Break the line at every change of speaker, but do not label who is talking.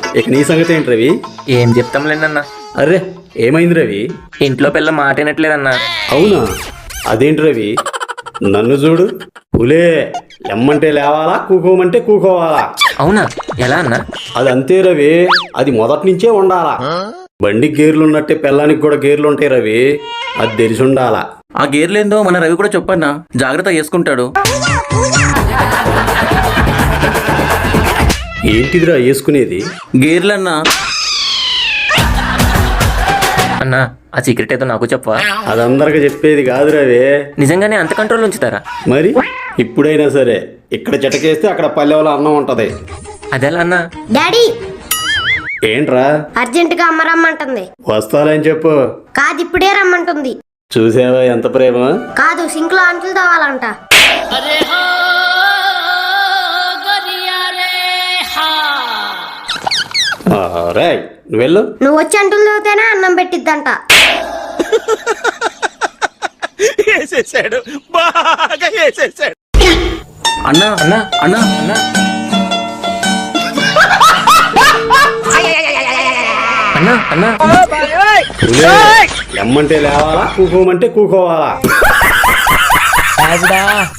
ఇక నీ సంగతి ఏంటి రవి?
ఏం చెప్తాంలేండన్నా.
అరే ఏమైంది రవి?
ఇంట్లో పిల్ల మాట వినట్లేదన్నా.
అవునా? అదేంటి రవి? నన్ను చూడు, పులే లెమ్మంటే లేవాలా, కూకోమంటే కూకోవాలా.
అవునా? ఎలా అన్నా?
అది అంతే రవి, అది మొదటి నుంచే ఉండాలా. బండికి గేర్లు ఉన్నట్టే పిల్లానికి కూడా గేర్లు ఉంటాయి రవి, అది తెలిసి ఉండాలా.
ఆ గేర్లేందో మన రవి కూడా చెప్పన్నా, జాగ్రత్త చేసుకుంటాడు.
ఏంటిదిరా వేసుకునేది?
గేర్లన్నా.
అన్నా ఆ సీక్రెట్ ఏదో నాకు చెప్పవా?
అది అందరికి చెప్పేది కాదు రవి.
నిజంగానే అంత కంట్రోల్ ఉంచుతారా?
మరి ఇప్పుడైనా సరే ఇక్కడ చిటకేస్తే అక్కడ పల్లెవలో అన్నం ఉంటది.
అదెలా అన్నా?
డాడీ
ఏంట్రా?
అర్జెంట్ గా అమ్మ రమ్మంటుంది.
వస్తాలని చెప్పు.
కాదు ఇప్పుడే రమ్మంటుంది.
చూసావా ఎంత ప్రేమ?
కాదు సింక్ లో అంటులు తవ్వాలంట.
రే నువ్వు వెళ్ళు.
నువ్వు వచ్చి అంటులు తవ్వుతేనే అన్నం పెట్టిద్దంట.
అన్నా
అన్నా
అన్నా
అన్నా అన్నా అన్నా
పులే లెమ్మంటే లేవాలా, కూకోమంటే కూకోవాలా.